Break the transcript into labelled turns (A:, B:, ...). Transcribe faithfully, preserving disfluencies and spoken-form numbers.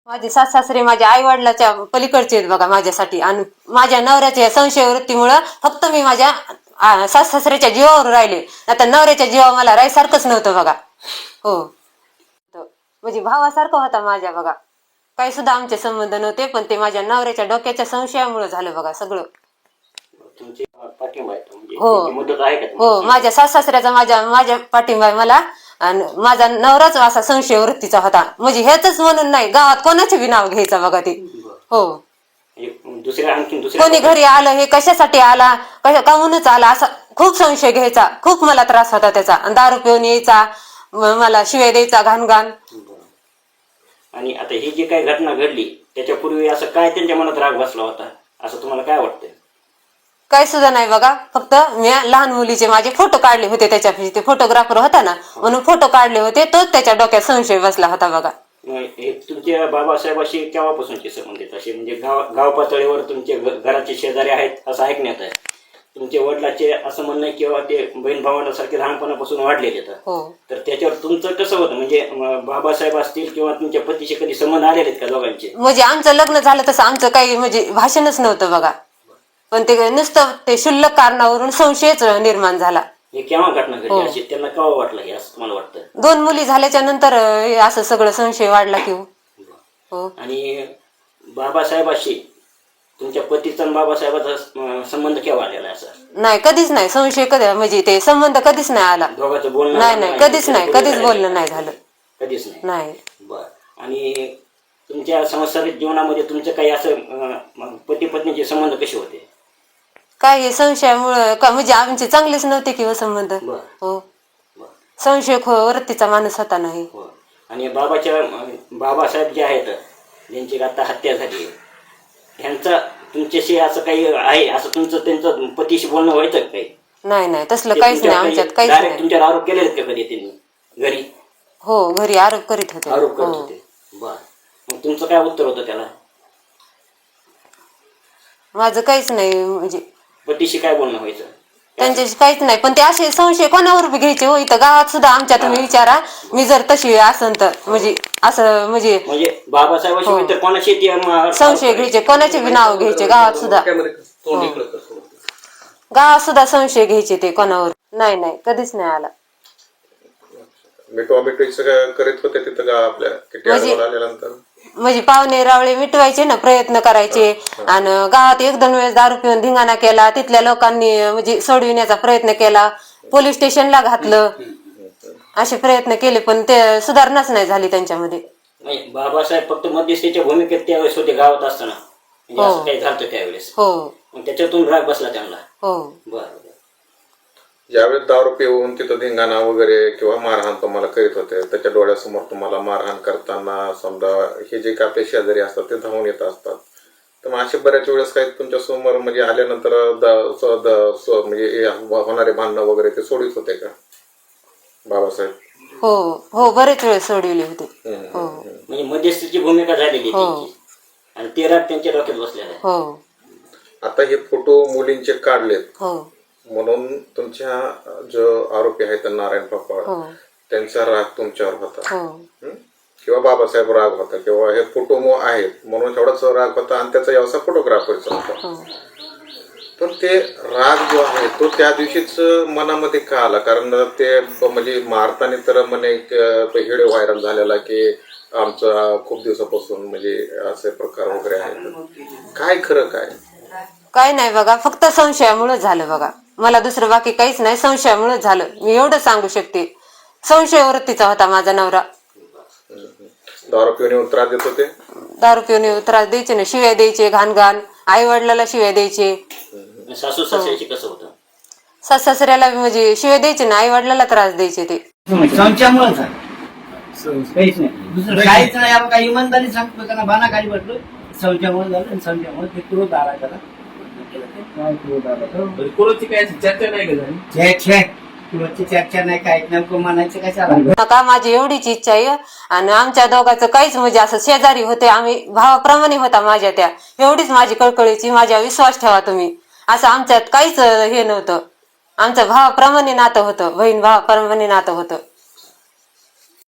A: माझे सास सासरे माझ्या आई वडिलाच्या पलीकडचे आहेत बघा माझ्यासाठी. आणि माझ्या नवऱ्याच्या संशय वृत्तीमुळं फक्त मी माझ्या सास सासऱ्याच्या जीवावर राहिले. आता नवऱ्याच्या जीवावर मला राहायसारखंच नव्हतं बघा. हो, म्हणजे भावासारखं होता माझ्या बघा. काही सुद्धा आमचे संबंध नव्हते, पण ते माझ्या नवऱ्याच्या डोक्याच्या संशयामुळे झालं बघा सगळं. हो हो, माझ्या सास सासऱ्याचा माझ्या माझ्या पाठिंबा आहे मला. आणि माझा नवराच असा संशय वृत्तीचा होता. म्हणजे हेच म्हणून नाही, गावात कोणाचे बी नाव घ्यायचं बघा ते. हो,
B: दुसऱ्या आणखी
A: कोणी घरी आलं हे कशासाठी आला, कशा काहूनच आला असा खूप संशय घ्यायचा. खूप मला त्रास होता त्याचा. दारू पिऊन यायचा, मला शिवाय द्यायचा घाण घाण.
B: आणि आता ही जी काही घटना घडली त्याच्यापूर्वी असं काय त्यांच्या मनात राग बसला होता असं तुम्हाला काय वाटतंय?
A: काय सुद्धा नाही बघा. फक्त मी लहान मुलीचे माझे फोटो काढले होते त्याच्यापाशी. ते फोटोग्राफर होता ना, म्हणून फोटो काढले होते. तोच त्याच्या डोक्यात संशय बसला होता बघा.
B: हे तुमच्या बाबासाहेबाशी केव्हापासूनचे संबंध आहेत असे? म्हणजे गाव गाव पातळीवर तुमचे घराचे शेजारी आहेत असं ऐकण्यात आहे. तुमच्या वडिलाचे असं म्हणणं किंवा ते बहीण भावांसारखे लहानपणापासून वाढलेले आहेत. तर त्याच्यावर तुमचं कसं होतं? म्हणजे बाबासाहेब असतील किंवा तुमच्या पतीशी कधी संबंध आलेले आहेत का दोघांचे?
A: म्हणजे आमचं लग्न झालं तसं आमचं काही म्हणजे भाषणच नव्हतं बघा. पण ते नुसतं ते शुल्लक कारणावरून संशयच निर्माण झाला.
B: हे केव्हा घटना घडली अशी त्यांना केव्हा वाटलं हे असं तुम्हाला वाटतं?
A: दोन मुली झाल्याच्या नंतर असं सगळं संशय वाढला की हो.
B: आणि बाबासाहेबाशी तुमच्या पतीचा आणि बाबासाहेबाचा संबंध केव्हा आलेला असा?
A: नाही, कधीच नाही. संशय कधी म्हणजे ते संबंध कधीच नाही आला.
B: दोघांचं बोलणं
A: नाही नाही, कधीच नाही, कधीच बोलणं नाही झालं.
B: कधीच नाही
A: नाही.
B: बर. आणि तुमच्या सांसारिक जीवनामध्ये तुमचं काही असं पती पत्नीचे संबंध कसे होते?
A: काय हे संशयामुळं का म्हणजे आमचे चांगलेच नव्हते किंवा संबंध. हो, संशय वृत्तीचा माणूस होता नाही.
B: आणि बाबाच्या बाबासाहेब जे आहेत ज्यांची आता हत्या झाली ह्यांचा तुमच्याशी असं काही आहे असं तुमचं त्यांचं पतीशी बोलणं व्हायचं काही?
A: नाही नाही, तसलं काहीच नाही आमच्यात. काहीच नाही.
B: तुमच्यावर आरोप केले का कधी त्यांनी घरी?
A: हो, घरी आरोप करीत होते.
B: आरोप करत होते. बर. मग तुमचं काय उत्तर होतं त्याला?
A: माझं काहीच नाही. म्हणजे
B: पतीशी काय बोलणं व्हायचं?
A: त्यांच्याशी काहीच नाही. पण ते असे संशय कोणावर बी घ्यायचे हो. इथं गावात सुद्धा आमच्या तुम्ही विचारा, मी जर तशी असन तर म्हणजे असं म्हणजे
B: म्हणजे बाबासाहेबाशी इतर कोणाशी
A: संशय घ्यायचे, कोणाचे बी नाव घ्यायचे गावात सुद्धा. गावात सुद्धा संशय घ्यायचे ते कोणावर. नाही नाही, कधीच नाही आला.
C: करीत होते तिथं आपल्या
A: म्हणजे पाहुणे रावळे मिटवायचे ना, प्रयत्न करायचे. आणि गावात एक दोन वेळेस दारू पिऊन धिंगाणा केला. तिथल्या लोकांनी म्हणजे सोडविण्याचा प्रयत्न केला, पोलीस स्टेशनला घातलं, असे प्रयत्न केले, पण ते सुधारणाच नाही झाली त्यांच्यामध्ये.
B: बाबासाहेब फक्त मध्यस्थीच्या भूमिकेत त्यावेळेस होते गावात असताना, असं काही झालं त्यावेळेस.
A: हो,
B: त्याच्यातून राग बसला त्यांना.
A: हो.
B: बरं.
C: ज्यावेळेस दारू पिऊन तिथं धिंगाणा वगैरे किंवा मारहाण तुम्हाला करीत होते, त्याच्या डोळ्यासमोर तुम्हाला मारहाण करताना समजा हे जे काय आपले शेजारी असतात ते धावून येत असतात, तर मग असे बऱ्याच वेळेस काही तुमच्या समोर म्हणजे आल्यानंतर म्हणजे होणारे भांडणं वगैरे ते सोडित होते का बाबासाहेब?
A: हो हो, बरेच वेळ सोडविले होते. हो,
B: म्हणजे मध्यस्थीची भूमिका झालेली आणि ते राग त्यांच्या डोक्यात बसलेला आहे.
A: हो.
C: आता हे फोटो मुलींचे काढलेत.
A: हो,
C: म्हणून तुमच्या जो आरोपी आहेत नारायण पापा त्यांचा राग तुमच्यावर होता किंवा बाबासाहेब राग होता किंवा हे फोटो आहेत म्हणून एवढाच राग होता आणि त्याचा व्यवसाय फोटोग्राफरचा होता. पण ते राग जो आहे तो त्या दिवशीच मनामध्ये का आला? कारण ते म्हणजे मारताना तर म्हणे व्हिडिओ व्हायरल झालेला की आमचा खूप दिवसापासून म्हणजे असे प्रकार वगैरे आहेत. काय खरं काय?
A: काय नाही बघा, फक्त संशयामुळे झालं बघा. मला दुसरं बाकी काहीच नाही, संशयामुळे झालं. मी एवढं सांगू शकते. संशय वृत्तीचा होता माझा नवरा.
C: दारू पिऊन त्रास देत होते?
A: दारू पिऊन त्रास द्यायचे ना, शिव्या द्यायचे घाण घाण. आई वडिलाला शिव्या द्यायचे.
B: सासू सासऱ्याची कसं होतं?
A: सास सासऱ्याला म्हणजे शिव्या द्यायचे ना, आई वडिलाला त्रास द्यायचे ते.
D: संशयामुळे काहीच नाही, दुसरं काहीच नाही. आपण काही इमानदारी सांगतो त्यांना बाना खाली बसलो. संशयामुळे झालं आणि संशयामुळे ते क्रोध आला त्याला. चर्चा नाही, काय नेमकं म्हणायचं कशाला?
A: नका, माझी एवढीच इच्छा आहे. आणि आमच्या दोघांचं काहीच म्हणजे असं शेजारी होते आम्ही, भावाप्रमाणे होता माझ्या त्या. एवढीच माझी कळकळीची, माझ्या विश्वास ठेवा तुम्ही. असं आमच्यात काहीच हे नव्हतं. आमचं भावाप्रमाणे नातं होतं, बहीण भावाप्रमाणे नातं होतं.